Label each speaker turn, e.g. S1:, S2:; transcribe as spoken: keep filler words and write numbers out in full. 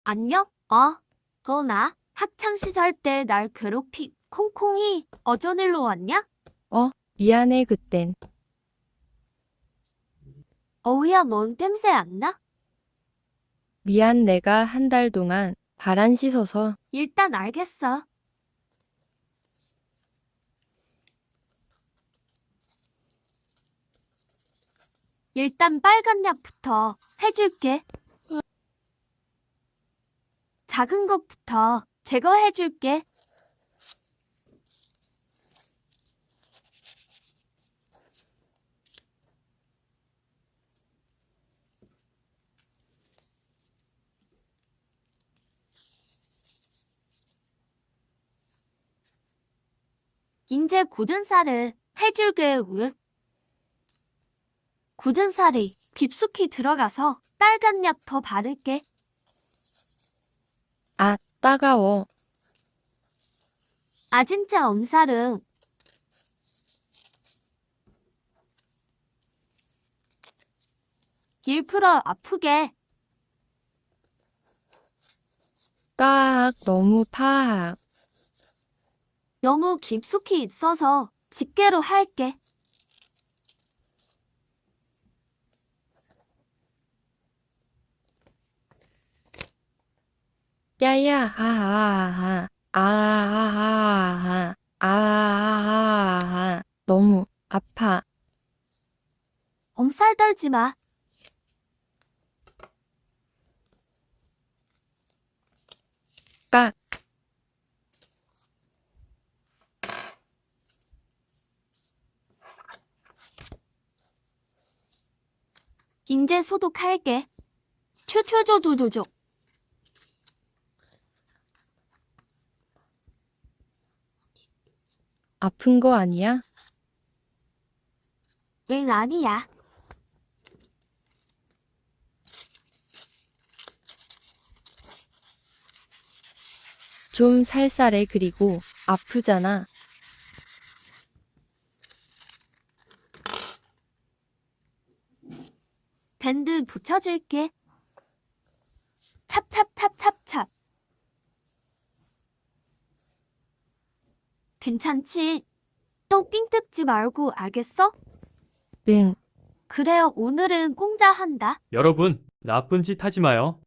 S1: 안녕? 어, 너 나 학창시절 때 날 괴롭히 콩콩이 어쩐 일로 왔냐?
S2: 어, 미안해, 그땐.
S1: 어우야, 뭔 땜새 안 나?
S2: 미안, 내가 한 달 동안 발 안 씻어서.
S1: 일단 알겠어. 일단 빨간 약부터 해줄게. 작은 것부터 제거해줄게. 인제 굳은 살을 해줄게. 왜? 굳은 살이 깊숙이 들어가서 빨간 약 더 바를게.
S2: 아, 따가워.
S1: 아 진짜 엄살은 일풀어 아프게.
S2: 까악, 너무 파악.
S1: 너무 깊숙이 있어서 집게로 할게.
S2: 야야, 아아아아, 아아아아, 아아아아, 너무 아파.
S1: 엄살 떨지 마.
S2: 까,
S1: 인제 소독할게. 튜튜조조조조.
S2: 아픈 거 아니야?
S1: 응, 아니야.
S2: 좀 살살해, 그리고 아프잖아.
S1: 밴드 붙여줄게. 찹찹찹찹찹. 괜찮지? 또 삥 뜯지 말고 알겠어?
S2: 응.
S1: 그래요, 오늘은 공짜 한다.
S3: 여러분, 나쁜 짓 하지 마요.